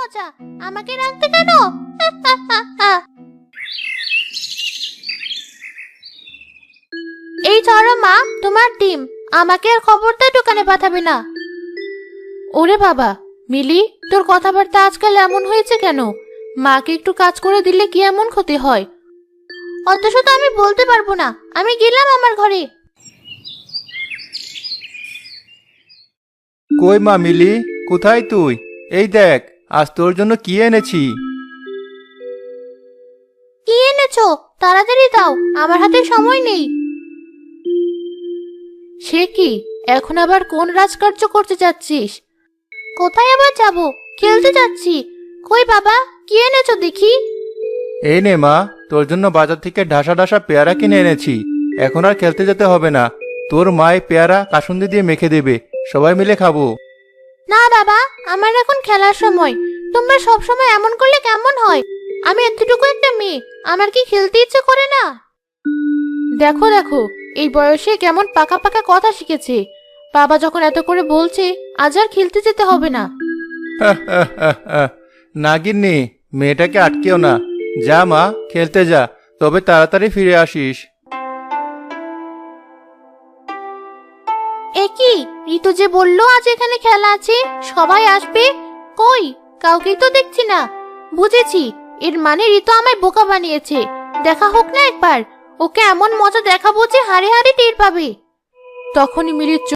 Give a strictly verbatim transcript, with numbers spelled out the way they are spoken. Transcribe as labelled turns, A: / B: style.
A: মজা, আমাকে রাখতে কেন? এই ধরো মা, তোমার ডিম। আমাকে আর খবরদার দোকানে পাঠাবে না। ওরে বাবা, মিলি, তোর কথাবার্তা আজকাল এমন হয়েছে কেন? মাকে একটু কাজ করে দিলে কি এমন ক্ষতি হয়? অত শত আমি বলতে পারবো না, আমি গেলাম আমার ঘরে।
B: কই মা মিলি, কোথায় তুই? এই দেখ, আজ তোর জন্য কি এনেছি।
A: কি এনেছো? তাড়াতাড়ি দাও, আমার হাতে সময় নেই। সে কি, এখন আবার কোন রাজকার্য করতে যাচ্ছিস? কোথায় আবার যাব? খেলতে যাচ্ছি। কই বাবা, কি এনেছো দেখি?
B: এই নে মা, তোর জন্য বাজার থেকে ঢাসা ঢাসা পেয়ারা কিনে এনেছি। এখন আর খেলতে যেতে হবে না। তোর মায়ে পেয়ারা কাসুন্দি দিয়ে মেখে দেবে, সবাই মিলে খাবো।
A: না বাবা, আমার এখন খেলার সময়। তোমরা সব সময় এমন করলে কেমন হয়? আমি এতটুকু একটা মেয়ে, আমার কি খেলতে ইচ্ছে করে না? দেখো দেখো, এই বয়সে কেমন পাকা পাকা কথা শিখেছে। বাবা যখন এত করে বলছে, আজ আর খেলতে যেতে হবে না।
B: না গিন্নি, মেয়েটাকে আটকেও না। যা মা, খেলতে যা, তবে তাড়াতাড়ি ফিরে আসিস।
A: এ কি, ঋতু যে বললো আজ এখানে খেলা আছে, সবাই আসবে। কই, কাউকেই তো দেখছি না। বুঝেছি, এর মানে ঋতু আমায় বোকা বানিয়েছে। দেখা হোক না একবার, ওকে এমন মজা দেখাবো যে হাড়ে হাড়ে টের পাবে। তখনই মিলির